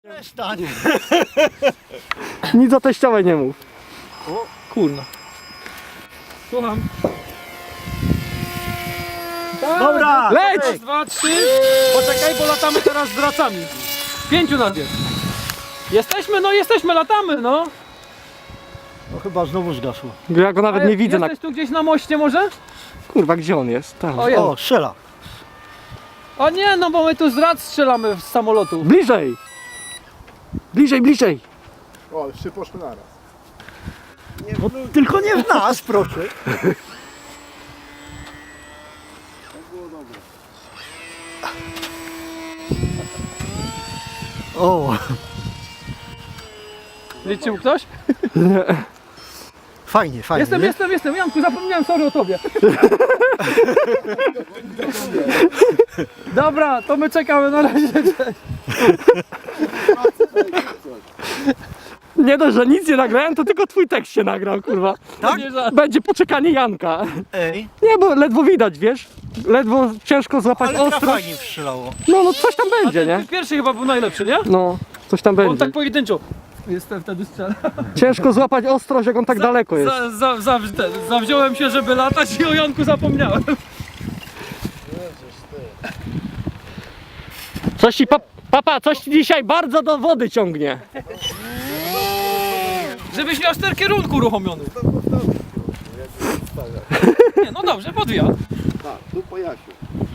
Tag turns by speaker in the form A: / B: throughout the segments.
A: Przestań.
B: Nic o teściowej nie mów.
C: O, kurna. Słucham.
A: Dobra,
B: Leć!
C: Raz, dwa, trzy. Poczekaj, bo latamy teraz z dracami. 5 nas jest. Jesteśmy, no jesteśmy, latamy, no.
A: No chyba znowu zgasło.
B: Ja go nawet nie widzę.
C: Jesteś tu gdzieś na moście może?
B: Kurwa, gdzie on jest? Tam.
C: O, jest.
A: O, strzela.
C: O nie, no bo my tu z drac strzelamy z samolotu.
B: Bliżej! Bliżej, bliżej!
D: O, trzy poszły naraz.
A: No, tylko nie w nas, proszę. O,
C: Liczył ktoś?
A: fajnie, fajnie.
C: Jestem. Janku, zapomniałem, sorry o tobie. Dobra, to my czekamy na razie.
B: Nie dość, że nic nie nagrałem, to tylko twój tekst się nagrał, kurwa.
A: Tak?
C: Nie żart.
B: Będzie poczekanie Janka.
A: Ej,
B: Nie, bo ledwo widać, wiesz? Ledwo ciężko złapać
A: ale
B: ostro.
A: fajnie strzelało.
B: No coś tam będzie, nie?
C: Pierwszy chyba był najlepszy, nie?
B: No, coś tam
C: On
B: będzie.
C: tak pojedynczo. Jestem wtedy strzelał.
B: Ciężko złapać ostrość, jak on tak daleko jest.
C: Zawziąłem się, żeby latać i o Janku zapomniałem.
B: Coś ci, papa, coś ci dzisiaj bardzo do wody ciągnie.
C: Żebyś miał ster kierunku uruchomiony. Nie, no dobrze, podwija.
D: Tak, tu po Jasiu.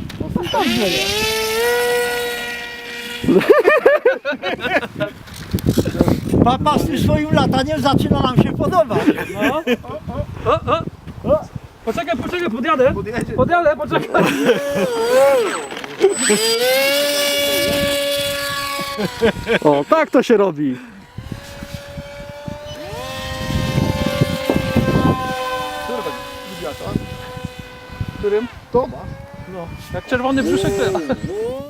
A: Papa z tym swoim lataniem zaczyna nam się podobać.
C: No. O. Poczekaj, podjadę. Podjadę, poczekaj.
B: O, tak to się robi.
C: Którym?
D: To masz.
C: No, jak czerwony brzuszek to ja.